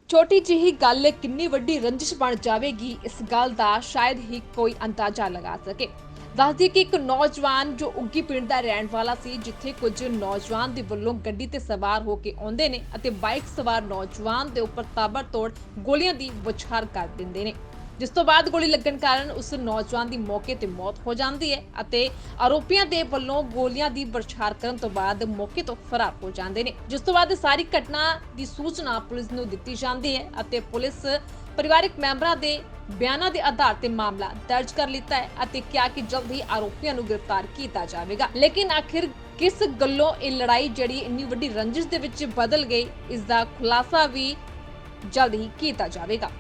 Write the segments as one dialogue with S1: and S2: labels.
S1: ਛੋਟੀ ਜਿਹੀ ਗੱਲ ਕਿੰਨੀ ਵੱਡੀ ਰੰਜਿਸ਼ ਬਣ ਜਾਵੇਗੀ, ਇਸ ਗੱਲ ਦਾ ਸ਼ਾਇਦ ਹੀ ਕੋਈ ਅੰਦਾਜ਼ਾ ਲਗਾ ਸਕੇ। ਦੱਸਦੀ ਕਿ ਇੱਕ ਨੌਜਵਾਨ ਜੋ ਉੱਗੀ ਪਿੰਡ ਦਾ ਰਹਿਣ ਵਾਲਾ ਸੀ, ਜਿੱਥੇ ਕੁਝ ਨੌਜਵਾਨ ਦੇ ਵੱਲੋਂ ਗੱਡੀ ਤੇ ਸਵਾਰ ਹੋ ਕੇ ਆਉਂਦੇ ਨੇ ਅਤੇ ਬਾਈਕ ਸਵਾਰ ਨੌਜਵਾਨ ਦੇ ਉੱਪਰ ਤਾਬੜਤੋੜ ਗੋਲੀਆਂ ਦੀ ਬੁਛਾਰ ਕਰ ਦਿੰਦੇ ਨੇ, ਜਿਸ ਤੋਂ ਬਾਅਦ ਗੋਲੀ ਲੱਗਣ ਕਾਰਨ ਉਸ ਨੌਜਵਾਨ ਦੀ ਮੌਕੇ ਤੇ ਮੌਤ ਹੋ ਜਾਂਦੀ ਹੈ ਅਤੇ ਆਰੋਪੀਆਂ ਦੇ ਵੱਲੋਂ ਗੋਲੀਆਂ ਦੀ ਬਰਛਾਰ ਕਰਨ ਤੋਂ ਬਾਅਦ ਮੌਕੇ ਤੋਂ ਫਰਾਰ ਹੋ ਜਾਂਦੇ ਨੇ। ਜਿਸ ਤੋਂ ਬਾਅਦ ਸਾਰੀ ਘਟਨਾ ਦੀ ਸੂਚਨਾ ਪੁਲਿਸ ਨੂੰ ਦਿੱਤੀ ਜਾਂਦੀ ਹੈ ਅਤੇ ਪੁਲਿਸ ਪਰਿਵਾਰਕ ਮੈਂਬਰਾਂ ਦੇ ਬਿਆਨਾਂ ਦੇ ਆਧਾਰ ਤੇ ਮਾਮਲਾ ਦਰਜ ਕਰ ਲਿੱਤਾ ਹੈ ਅਤੇ ਕਿਹਾ ਕਿ ਜਲਦ ਹੀ ਆਰੋਪੀਆਂ ਨੂੰ ਗ੍ਰਿਫਤਾਰ ਕੀਤਾ ਜਾਵੇਗਾ। ਲੇਕਿਨ ਆਖਿਰ ਕਿਸ ਗੱਲੋਂ ਇਹ ਲੜਾਈ ਜਿਹੜੀ ਇੰਨੀ ਵੱਡੀ ਰੰਜਿਸ਼ ਦੇ ਵਿੱਚ ਬਦਲ ਗਈ, ਇਸ ਦਾ ਖੁਲਾਸਾ ਵੀ ਜਲਦ ਹੀ ਕੀਤਾ ਜਾਵੇਗਾ।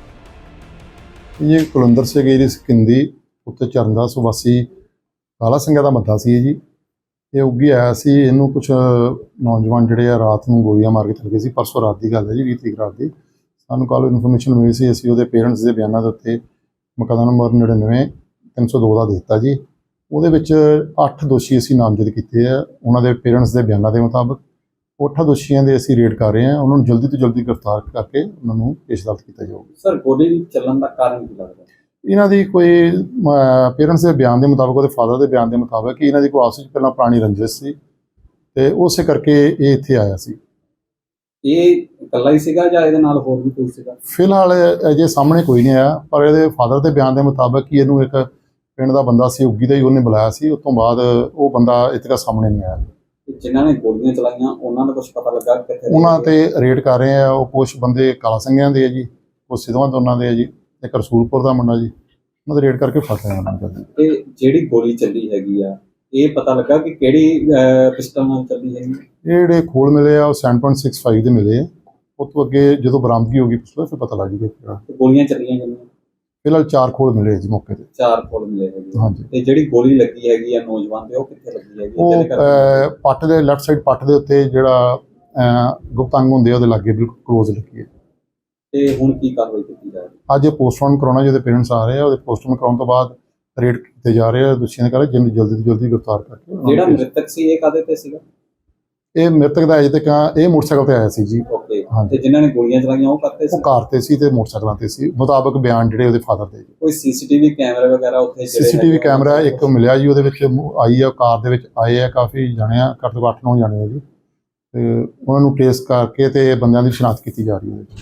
S2: ये कुलंदर से गई सिकंदी उत्ते चरणदास वासी काला सिंघा का मता सी जी। ये उगी आया सी, इनू कुछ नौजवान जिहड़े आ रात नूं गोलियां मार के चल गए सी। परसों रात की गल है जी, 20 तरीक रात की। सानूं कल इन्फॉर्मेशन मिली सी, असीं उहदे पेरेंट्स के बयानों के उत्ते मुकदमा नंबर 99/302 का दिता जी। उहदे विच 8 दोषी असीं नामजद कीते आ। उहनां दे पेरेंट्स के बयानों के मुताबिक 8 दोषियों के असीं रेड कर रहे हैं, उन्होंने जल्दी तो जल्दी गिरफ्तार करके उन्होंने पेश अदालत किया जाऊगा।
S3: सर गोली चलन का कारण की लगता है?
S2: इन्हां दी कोई पेरेंट्स के बयान के मुताबिक, उहदे फादर के बयान के मुताबिक कि इन्हां दी कोई आपस विच पहलां पुरानी रंजिश सी ते उस करके ये इत्थे आया सी।
S3: ये इकल्ला ही सीगा जां इहदे नाल होर भी कोई सीगा?
S2: फिलहाल अजे सामने कोई नहीं आया, पर इहदे फादर के बयान के मुताबिक कि इहनूं एक पिंड का बंदा सी उगी दा ही उहने बुलाया सी। उस तो बाद वो बंदा इत्थे तक सामने नहीं आया।
S3: जिन्होंने गोलियां चलाइयां उन्हां दा कुछ पता लगा कित्थे
S2: उन्हां ते रेड कर रहे हैं। वो कुछ बंदे काला संघियां दे जी, कुछ सिद्धवां दोनां दे जी, एक रसूलपुर दा मुंडा जी। उन्हां दे रेड करके फड़ लिया उन्हां ने।
S3: ते जेहड़ी गोली चली हैगी आ, ये पता लगा कि किहड़ी पिस्टल नाल चली हैगी?
S2: ये जिहड़े खोल मिले आ 7.65 दे मिले। उस तो अगे जो बरामदगी होगी पिछले फिर पता लग जाएगा।
S3: ते गोलियां चलियां किन्नियां?
S2: फिलहाल 4 खोल मिले जी मौके ते।
S3: 4 खोल मिले हैगे।
S2: हाँ जी।
S3: ते जेहड़ी गोली लगी हैगी आ नौजवान ते ओह कित्थे लगी हैगी?
S2: वो पट्ट दे लैफ्ट साइड पट्ट दे उत्ते जिहड़ा गुप्त अंग हुंदे ओहदे लागे बिल्कुल क्लोज लगी है।
S3: ते हुण की कार्रवाई कीती जा रही?
S2: अज पोस्टमार्टम कराउणा, जिहदे पेरेंट्स आ रहे हैं, ओहदे पोस्टमार्टम कराउण तो बाद रेड कीते जा रहे हैं। दोषियों ने कहा जल्दी तो जल्दी गिरफ्तार करके
S3: जेहड़ा मृतक सी ये कादे ते सीगा?
S2: ये मृतक का अजे तक ये मोटरसाइकिल ते आया सी जी।
S3: ओके।
S2: हाँ
S3: ते
S2: जी।
S3: जिन्हां ने गोलियां चलाइयां ओह करते
S2: वो
S3: सी?
S2: कार ते सी ते मोटरसाइकिलों ते सी, मुताबिक बयान जिहड़े ओहदे फादर दे।
S3: कोई सीसीटीवी कैमरा वगैरह उत्थे जेहड़े
S2: सीसीटीवी कैमरा एक मिलिया जी, ਉਹਦੇ ਵਿੱਚ आई है कार ਦੇ ਵਿੱਚ आए हैं काफ़ी जाने, घੱਟ ਤੋਂ 8-9 जाने हैं जी। ਤੇ ਉਹਨਾਂ ਨੂੰ ट्रेस करके ਤੇ ਬੰਦਿਆਂ ਦੀ ਸ਼ਨਾਖਤ ਕੀਤੀ ਜਾ ਰਹੀ ਹੈ।